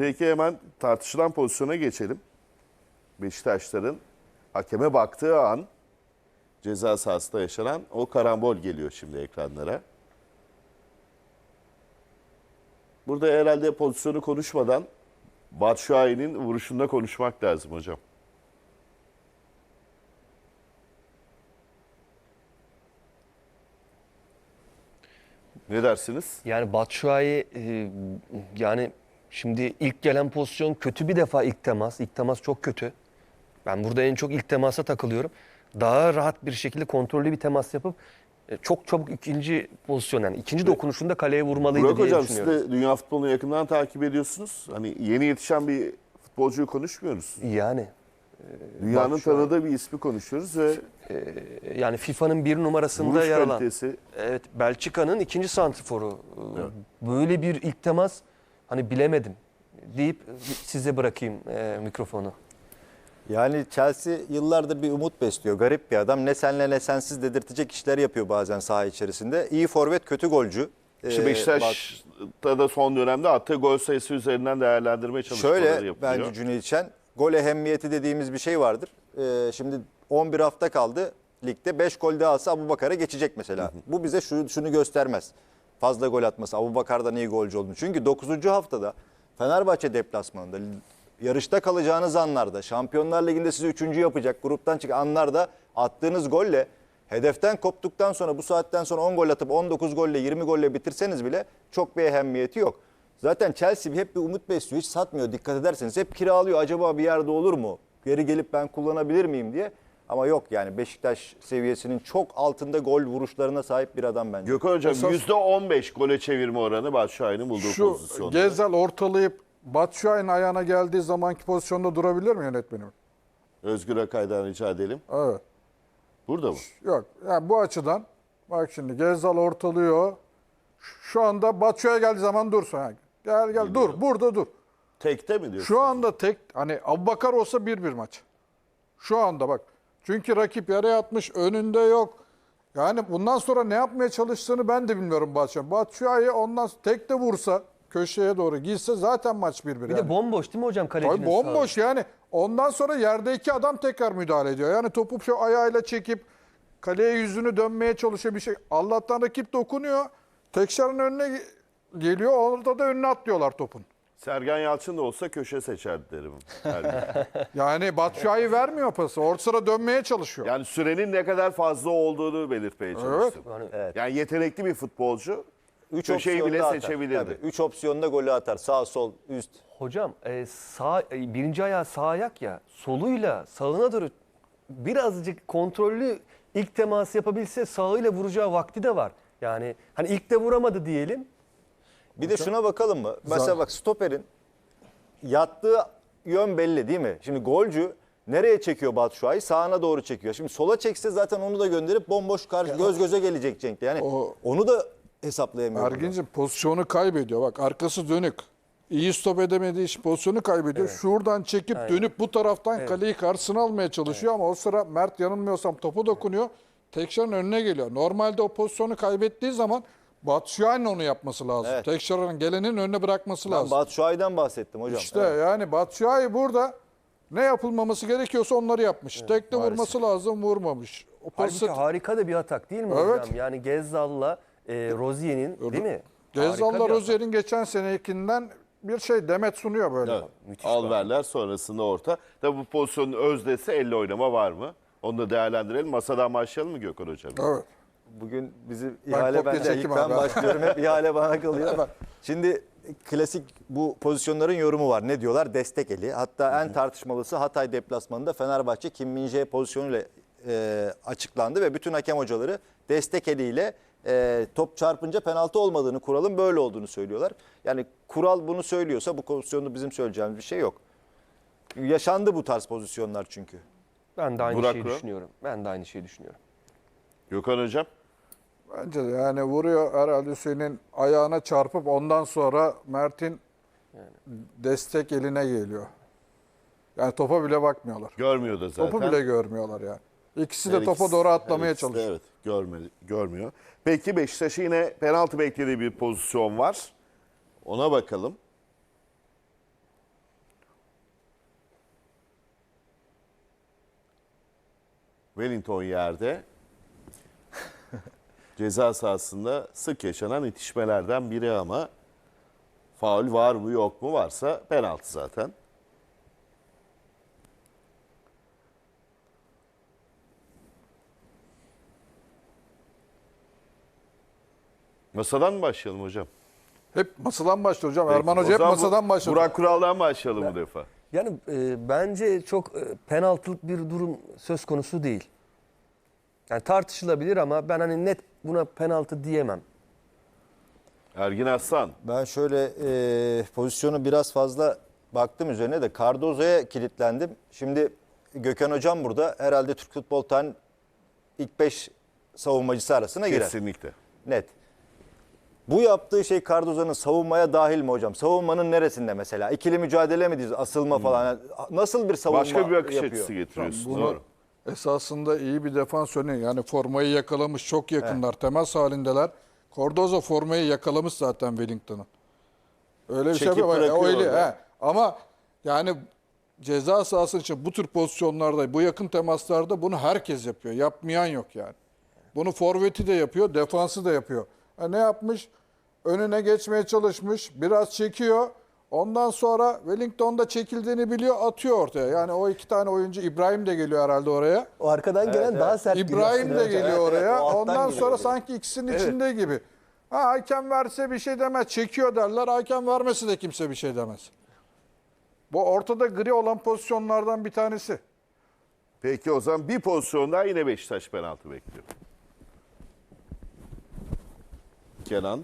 Peki hemen tartışılan pozisyona geçelim. Beşiktaşların hakeme baktığı an ceza sahasında yaşanan o karambol geliyor şimdi ekranlara. Burada herhalde pozisyonu konuşmadan Batshuayi'nin vuruşunda konuşmak lazım hocam. Ne dersiniz? Yani Batshuayi yani şimdi ilk gelen pozisyon kötü bir defa ilk temas. İlk temas çok kötü. Ben burada en çok ilk temasa takılıyorum. Daha rahat bir şekilde kontrollü bir temas yapıp çok çabuk ikinci pozisyon yani ikinci dokunuşunda kaleye vurmalıydı Burak diye hocam siz düşünüyorum. de dünya futbolunu yakından takip ediyorsunuz. Hani yeni yetişen bir futbolcuyu konuşmuyoruz. Yani Dünyanın Batshuayi- tanıdığı bir ismi konuşuyoruz ve yani FIFA'nın bir numarasında vuruş yer alan. kalitesi. Evet, Belçika'nın ikinci santriforu. Evet. Böyle bir ilk temas hani bilemedim deyip size bırakayım mikrofonu. Yani Chelsea yıllardır bir umut besliyor. Garip bir adam. Ne senle ne sensiz dedirtecek işler yapıyor bazen saha içerisinde. İyi forvet, kötü golcü. İşte Beşiktaş'ta da son dönemde attığı gol sayısı üzerinden değerlendirme çalışmaları Şöyle yapılıyor. bence Cüneyt Çen, gol ehemmiyeti dediğimiz bir şey vardır. Şimdi 11 hafta kaldı ligde. 5 gol daha alsa Abubakar'a geçecek mesela. Bu bize şunu göstermez. Fazla gol atması, Abubakar'dan iyi golcü olduğunu. Çünkü 9. haftada Fenerbahçe deplasmanında yarışta kalacağınız anlarda, Şampiyonlar Ligi'nde sizi 3. yapacak, gruptan çıkan anlarda attığınız golle hedeften koptuktan sonra bu saatten sonra 10 gol atıp 19 golle 20 golle bitirseniz bile çok bir ehemmiyeti yok. Zaten Chelsea hep bir umut besliyor, hiç satmıyor dikkat ederseniz. Hep kiralıyor, acaba bir yerde olur mu? Geri gelip ben kullanabilir miyim diye. Ama yok yani Beşiktaş seviyesinin çok altında gol vuruşlarına sahip bir adam bence. Gökhan hocam Esas- %15 gole çevirme oranı Batshuayi'nin bulduğu Şu pozisyonda. Gezzal ortalayıp Batshuayi'nin ayağına geldiği zamanki pozisyonda durabilir mi yönetmenim? Özgür Akay'dan rica edelim. Evet. Burada mı? Yok. Yani bu açıdan bak şimdi Gezzal ortalıyor. Şu anda Batshuayi geldiği zaman dursun. Yani gel dur. Burada dur. Tekte mi diyorsun? Şu anda tek hani Abubakar olsa 1-1 maç. Şu anda bak. Çünkü rakip yere atmış, önünde yok. Yani bundan sonra ne yapmaya çalıştığını ben de bilmiyorum Batshuayi. Batshuayi ondan tek de vursa köşeye doğru gitse zaten maç 1-1. Bir de bomboş değil mi hocam kalecinin Tabii bomboş yani. Ondan sonra yerdeki adam tekrar müdahale ediyor. Yani topu şu ayağıyla çekip kaleye yüzünü dönmeye çalışıyor bir şey. Allah'tan rakip dokunuyor. Tekşar'ın önüne geliyor. Orada da önüne atlıyorlar topun. Sergen Yalçın da olsa köşe seçerdi derim. her gün. Yani Batshuayi vermiyor pası. Orta sıra dönmeye çalışıyor. Yani sürenin ne kadar fazla olduğunu belirtmeye çalıştım. Evet. Yani yetenekli bir futbolcu. 3 köşeyi bile seçebilirdi. 3 opsiyonda golü atar. Sağ, sol, üst. Hocam birinci ayağı sağ ayak ya soluyla sağına doğru birazcık kontrollü ilk teması yapabilse sağıyla vuracağı vakti de var. Yani hani ilk de vuramadı diyelim. Bir de şuna bakalım mı? Mesela bak stoperin yattığı yön belli değil mi? Şimdi golcü nereye çekiyor Batshuayi? Sağına doğru çekiyor. Şimdi sola çekse zaten onu da gönderip bomboş karşı göz göze gelecek Cenk. Yani onu da hesaplayamıyor. burada. Ergin'cim pozisyonu kaybediyor. Bak arkası dönük. İyi stop edemediği için pozisyonu kaybediyor. Şuradan çekip dönüp bu taraftan kaleyi karşısına almaya çalışıyor ama o sıra Mert yanılmıyorsam topu dokunuyor. Tekşar'ın önüne geliyor. Normalde o pozisyonu kaybettiği zaman Batshuayi'nin onu yapması lazım. Evet. Tekşar'ın gelenin önüne bırakması Ben lazım. Batshuayi'den bahsettim hocam. İşte Evet. yani Batshuayi burada ne yapılmaması gerekiyorsa onları yapmış. Tek de vurması lazım, vurmamış. O Halbuki pası harika da bir atak değil mi Evet. hocam? Yani Gezzal'la Rozier'in değil mi? Gezzal'la Harika bir atak. Rozier'in geçen senekinden bir şey demet sunuyor böyle. Evet. Alverler sonrasında orta. Tabii bu pozisyonun özdesi elle oynama var mı? Onu da değerlendirelim. Masadan başlayalım mı Gökhan hocam? Evet. Bugün bizi Ben ihale kopya bende. çekeyim İlk ben abi. başlıyorum. Hep ihale bana kalıyor. Evet. Şimdi klasik bu pozisyonların yorumu var. Ne diyorlar? Destek eli. Hatta en tartışmalısı Hatay deplasmanında Fenerbahçe Kim Min-jae pozisyonuyla açıklandı ve bütün hakem hocaları destek eliyle top çarpınca penaltı olmadığını, kuralın böyle olduğunu söylüyorlar. Yani kural bunu söylüyorsa bu pozisyonda bizim söyleyeceğimiz bir şey yok. Yaşandı bu tarz pozisyonlar çünkü. Ben de aynı Burak şeyi Kural. düşünüyorum. Ben de aynı şeyi düşünüyorum. Gökhan hocam. Bence de yani vuruyor herhalde Hüseyin'in ayağına çarpıp ondan sonra Mert'in destek eline geliyor. Yani topa bile bakmıyorlar. Görmüyor da zaten. Topu bile görmüyorlar yani. İkisi de Her topa ikisi- doğru her atlamaya ikisi de çalışıyor. Evet görmüyor. Peki Beşiktaş'ın yine penaltı beklediği bir pozisyon var. Ona bakalım. Wellington yerde. Ceza sahasında sık yaşanan itişmelerden biri ama faul var mı yok mu, varsa penaltı zaten. Masadan mı başlayalım hocam? Hep masadan başlıyor hocam. Peki, Erman o Hoca hep zaman masadan başlıyor. Burak Kural'dan başlayalım bu defa. Yani bence çok penaltılık bir durum söz konusu değil. Yani tartışılabilir ama ben hani net buna penaltı diyemem. Ergin Aslan. Ben şöyle pozisyonu biraz fazla baktım üzerine de Cardozo'ya kilitlendim. Şimdi Gökhan Hocam burada herhalde Türk futbol tarihinin ilk 5 savunmacısı arasına girer. Kesinlikle. Net. Bu yaptığı şey Cardozo'nun savunmaya dahil mi hocam? Savunmanın neresinde mesela? İkili mücadele mi diyoruz? Asılma falan. Yani nasıl bir savunma Başka bir bakış yapıyor? açısı getiriyorsun. Bunu Doğru. esasında iyi bir defans örneği. Yani formayı yakalamış, çok yakınlar. Temas halindeler. Cardozo formayı yakalamış zaten Wellington'ın. Öyle bir Çekip şey yapıyor. bırakıyor Öyle, orada. he. Ama yani ceza sahası için bu tür pozisyonlarda, bu yakın temaslarda bunu herkes yapıyor. Yapmayan yok yani. Bunu forveti de yapıyor, defansı da yapıyor. Ne yapmış? Önüne geçmeye çalışmış, biraz çekiyor. Ondan sonra Wellington da çekildiğini biliyor, atıyor ortaya. Yani o iki tane oyuncu, İbrahim de geliyor herhalde oraya. O arkadan gelen daha sert geliyor İbrahim aslında de hocam. geliyor Evet, oraya. o alttan Ondan geliyor sonra oraya. sanki ikisinin içinde gibi. Ha, hakem verse bir şey demez. Çekiyor derler. Hakem vermesi de kimse bir şey demez. Bu ortada gri olan pozisyonlardan bir tanesi. Peki o zaman bir pozisyon daha, yine Beşiktaş penaltı bekliyor. Kenan.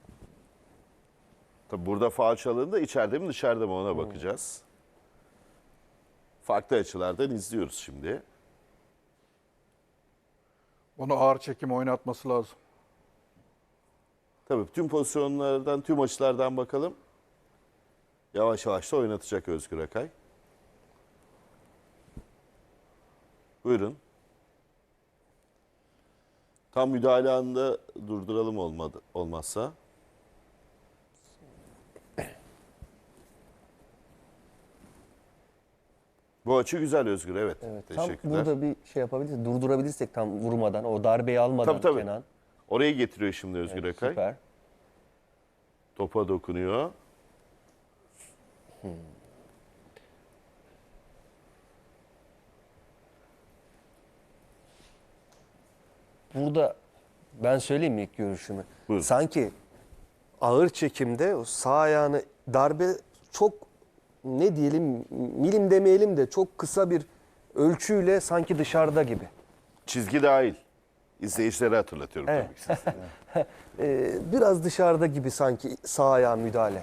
Tabi burada faul çalındı. İçeride mi dışarıda mı ona bakacağız. Farklı açılardan izliyoruz şimdi. Onu ağır çekim oynatması lazım. Tabii tüm pozisyonlardan, tüm açılardan bakalım. Yavaş yavaş da oynatacak Özgür Akay. Buyurun. Tam müdahale anında durduralım olmazsa. Bu açı güzel Özgür, evet. Evet, tam Teşekkürler. burada bir şey yapabilirsek, durdurabilirsek tam vurmadan, o darbeyi almadan Tabii. Kenan. Orayı getiriyor şimdi Özgür Evet, Akay. süper. Topa dokunuyor. Burada ben söyleyeyim mi ilk görüşümü? Buyurun. Sanki ağır çekimde o sağ ayağını darbe çok, ne diyelim, milim demeyelim de çok kısa bir ölçüyle sanki dışarıda gibi. Çizgi dahil. İzleyicilere hatırlatıyorum Evet. tabii ki. Biraz dışarıda gibi sanki sağ ayağa müdahale.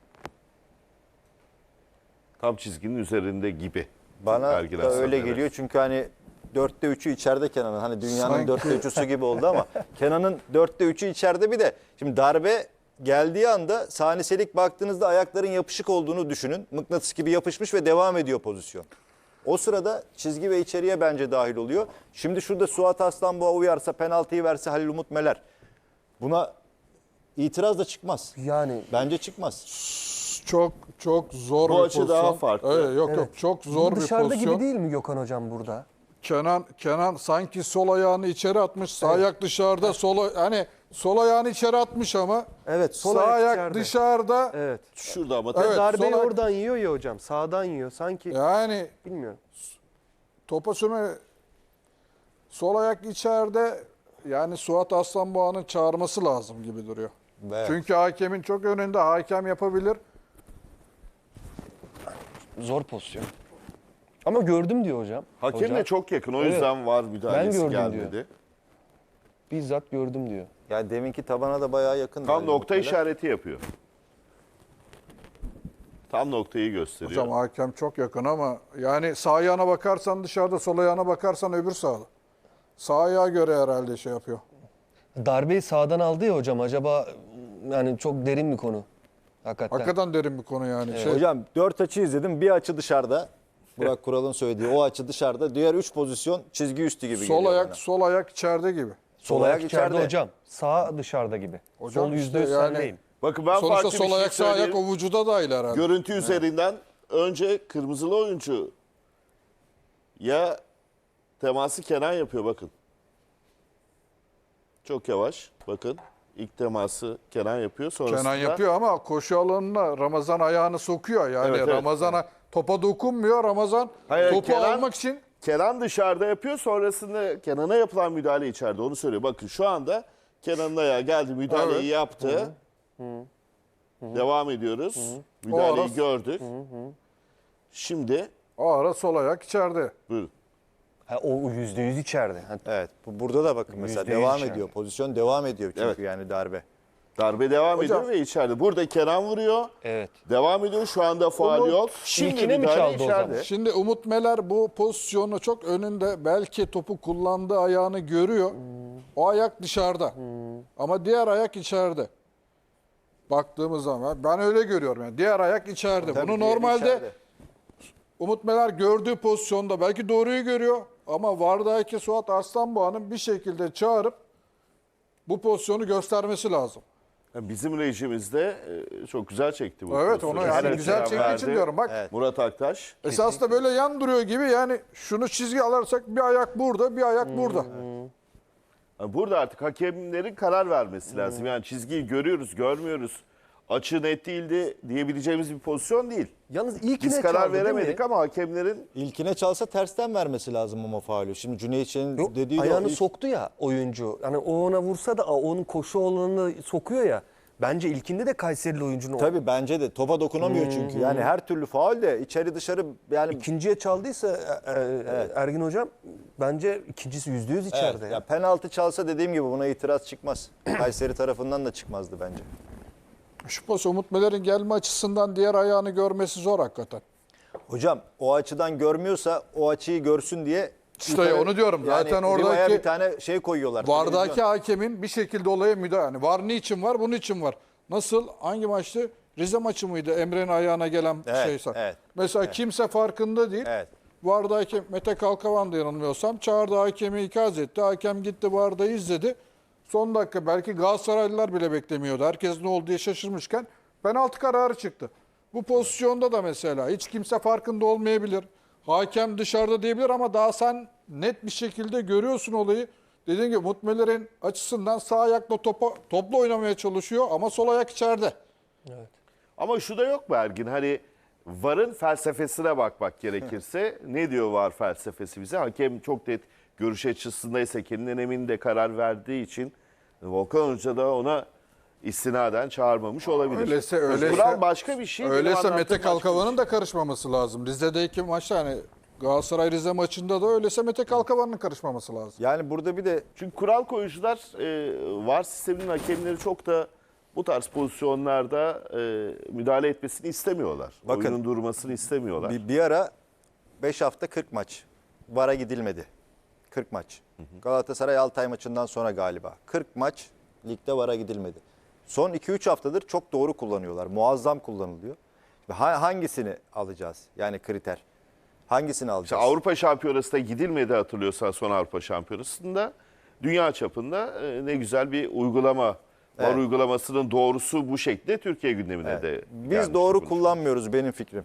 Tam çizginin üzerinde gibi. Bana Ergin da Aslan, öyle evet. geliyor çünkü hani 4'te 3'ü içeride Kenan'ın. Hani dünyanın Sanki- 4'te 3'üsü gibi oldu ama Kenan'ın 4'te 3'ü içeride. Bir de şimdi darbe geldiği anda saniselik baktığınızda ayakların yapışık olduğunu düşünün. Mıknatıs gibi yapışmış ve devam ediyor pozisyon. O sırada çizgi ve içeriye bence dahil oluyor. Şimdi şurada Suat Aslanboğa uyarsa, penaltıyı verse Halil Umut Meler, buna itiraz da çıkmaz. Yani Bence çıkmaz. Çok zor Bu bir açı pozisyon. daha farklı. Evet, yok çok zor bu bir dışarıda pozisyon. gibi değil mi Gökhan Hocam burada? Kenan sanki sol ayağını içeri atmış, sağ ayak dışarıda, sol ayağını içeri atmış ama Evet, sol sağ ayak ayak içeride. dışarıda. Evet. Şurada ama Evet. Darbeyi sol ayak- oradan yiyor ya hocam. Sağdan yiyor. Sanki Yani bilmiyorum. topa sürme, sol ayak içeride, yani Suat Aslanboğa'nın çağırması lazım gibi duruyor. Evet. Çünkü hakemin çok önünde, hakem yapabilir. Zor pozisyon. Ama gördüm diyor hocam. hakemle Hocam, çok yakın. O Evet. yüzden var müdahalesi gördüm gelmedi. diyor. bizzat gördüm diyor. Yani deminki tabana da bayağı yakın. Tam Halil nokta Umut Meler. işareti yapıyor. Tam noktayı gösteriyor. Hocam hakem çok yakın ama yani sağ ayağına bakarsan dışarıda, sol ayağına bakarsan öbür sağda. Sağ ayağa göre herhalde şey yapıyor. Darbeyi sağdan aldı ya hocam. Acaba yani çok derin bir konu. Hakikaten. Hakikaten derin bir konu yani. Hocam 4 açı izledim. Bir açı dışarıda. Burak Kural'ın söylediği o açı dışarıda. Diğer 3 pozisyon çizgi üstü gibi sol geliyor ayak, bana. sol ayak içeride gibi. Sol ayak içeride hocam. Sağ dışarıda gibi. Hocam Sol işte %100 yani- sendeyim. Bakın ben Sonuçta farklı bir sol şey ayak, sağ ayak söyleyeyim. o vücuda dahil herhalde. Görüntü üzerinden önce kırmızılı oyuncu ya teması Kenan yapıyor bakın. Çok yavaş bakın. İlk teması Kenan yapıyor. Sonrasında Kenan yapıyor ama koşu alanına Ramazan ayağını sokuyor. Yani Evet, evet. Ramazan'a topa dokunmuyor. Ramazan Hayır, topu Kenan- almak için Kenan dışarıda yapıyor. Sonrasında Kenan'a yapılan müdahale içeride. Onu söylüyor. Bakın şu anda Kenan'ın ayağı geldi. Müdahaleyi Evet. yaptı. Devam ediyoruz. O Müdahaleyi ara- gördük. Şimdi o ara sol ayak içeride. buyurun. Ha, o %100 içeride. Ha, Evet. Burada da bakın mesela %100 devam içeride. ediyor. Pozisyon devam ediyor çünkü Evet. yani darbe. Darbe devam Hocam- ediyor ve içeride. Burada Kenan vuruyor. Evet. Devam ediyor. Şu anda faul Umut, yok. Şimdi ilkine mi müdahale çaldı o zaman? içeride. Şimdi Umut Meler bu pozisyonu çok önünde, belki topu kullandığı ayağını görüyor. O ayak dışarıda. Ama diğer ayak içeride. Baktığımız zaman ben öyle görüyorum yani. Diğer ayak içeride. Tabii Bunu diğeri normalde içeride. Umut Meler gördüğü pozisyonda belki doğruyu görüyor ama VAR'daki Suat Arslanboğa'nın bir şekilde çağırıp bu pozisyonu göstermesi lazım. Yani bizim rejimizde çok güzel çekti bu. Evet, pozisyonu. onu yani Her güzel selam çektiği için verdi. diyorum. Bak Evet. Murat Aktaş. esas da böyle yan duruyor gibi, yani şunu çizgi alırsak bir ayak burada, bir ayak burada. Yani burada artık hakemlerin karar vermesi lazım. Yani çizgiyi görüyoruz, görmüyoruz. Açı net değildi diyebileceğimiz bir pozisyon değil. Yalnız ilkine Biz çaldı, karar değil veremedik mi? ama hakemlerin İlkine çalsa tersten vermesi lazım ama faulü. Şimdi Cüneyt Çelik'in Yok, dediği de ayağını o ilk- soktu ya oyuncu. Hani o ona vursa da onun koşu alanını sokuyor ya. Bence ilkinde de Kayserili oyuncunun Tabii bence de topa dokunamıyor çünkü. Yani her türlü faul de içeri dışarı yani ikinciye çaldıysa Ergin hocam bence ikincisi %100 içeride. Evet, ya penaltı çalsa dediğim gibi buna itiraz çıkmaz. Kayseri tarafından da çıkmazdı bence. Şu pozisyon Umut Meler'in gelme açısından diğer ayağını görmesi zor hakikaten. Hocam o açıdan görmüyorsa o açıyı görsün diye İşte onu diyorum. Zaten Riva'ya oradaki bir tane şey koyuyorlar. VAR'daki televizyon. hakemin bir şekilde olaya müdahale. Yani VAR niçin var? Bunun için var. Nasıl? Hangi maçtı? Rize maçı mıydı? Emre'nin ayağına gelen Evet, şeyse. evet, Mesela kimse farkında değil. Evet. VAR'da hakem Mete Kalkavan da yanılmıyorsam çağırdı, hakemi ikaz etti. Hakem gitti VAR'da izledi. Son dakika belki Galatasaraylılar bile beklemiyordu. Herkes ne oldu diye şaşırmışken penaltı kararı çıktı. Bu pozisyonda da mesela hiç kimse farkında olmayabilir. Hakem dışarıda diyebilir ama daha sen net bir şekilde görüyorsun olayı. Dediğim gibi Umut Meler'in açısından sağ ayakla topla oynamaya çalışıyor ama sol ayak içeride. ama şu da yok mu Ergin? Hani VAR'ın felsefesine bakmak gerekirse ne diyor VAR felsefesi bize? Hakem çok net görüş açısındaysa kendinden emin de karar verdiği için Volkan Hoca da ona istinaden çağırmamış olabilir. Kural başka bir şey. benim Öyleyse anlattığım Mete başka bir Kalkavan'ın şey. da karışmaması lazım. Rize'deki maçta hani Galatasaray Rize maçında da öyleyse Mete Kalkavan'ın karışmaması lazım. Yani burada bir de Çünkü kural koyucular VAR sisteminin hakemleri çok da bu tarz pozisyonlarda müdahale etmesini istemiyorlar. Bakın, Oyunun durmasını istemiyorlar. bir ara 5 hafta 40 maç. VAR'a gidilmedi. 40 maç. Galatasaray Altay maçından sonra galiba. 40 maç ligde VAR'a gidilmedi. Son 2-3 haftadır çok doğru kullanıyorlar. Muazzam kullanılıyor. Hangisini alacağız? Yani kriter. Hangisini İşte alacağız? Avrupa Şampiyonası'na gidilmedi hatırlıyorsan son Avrupa Şampiyonası'nda. Dünya çapında ne güzel bir uygulama. VAR Evet. uygulamasının doğrusu bu şekilde Türkiye gündemine de Biz gelmiş doğru konuşuyoruz. kullanmıyoruz benim fikrim.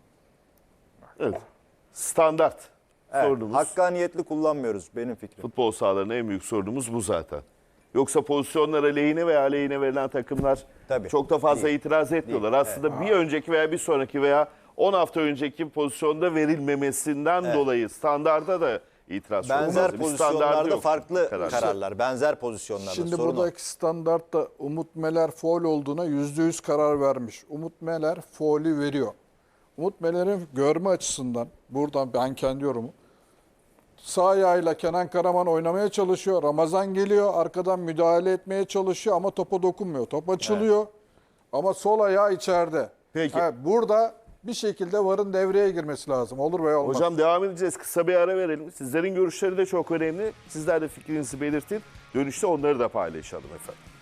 Evet. Standart Evet, sorunumuz. hakkaniyetli kullanmıyoruz benim fikrim. Futbol sahalarının en büyük sorunumuz bu zaten. Yoksa pozisyonlara lehine veya aleyhine verilen takımlar Tabii. çok da fazla Değil. itiraz etmiyorlar. Değil. Aslında bir önceki veya bir sonraki veya 10 hafta önceki pozisyonda verilmemesinden dolayı standarda da itiraz çok Benzer fazla. Bir standardı pozisyonlarda yok farklı karar. kararlar. Benzer pozisyonlarda. Şimdi sorun o. buradaki standartta Umut Meler faul olduğuna %100 karar vermiş. Umut Meler faulü veriyor. Umut Meler'in görme açısından buradan ben kendi yorumum. Sağ ayağıyla Kenan Karaman oynamaya çalışıyor. Ramazan geliyor arkadan müdahale etmeye çalışıyor ama topa dokunmuyor. Top açılıyor ama sol ayağı içeride. Peki. Burada bir şekilde VAR'ın devreye girmesi lazım. Olur veya olmaz. Hocam devam edeceğiz. Kısa bir ara verelim. Sizlerin görüşleri de çok önemli. Sizler de fikrinizi belirtin. Dönüşte onları da paylaşalım efendim.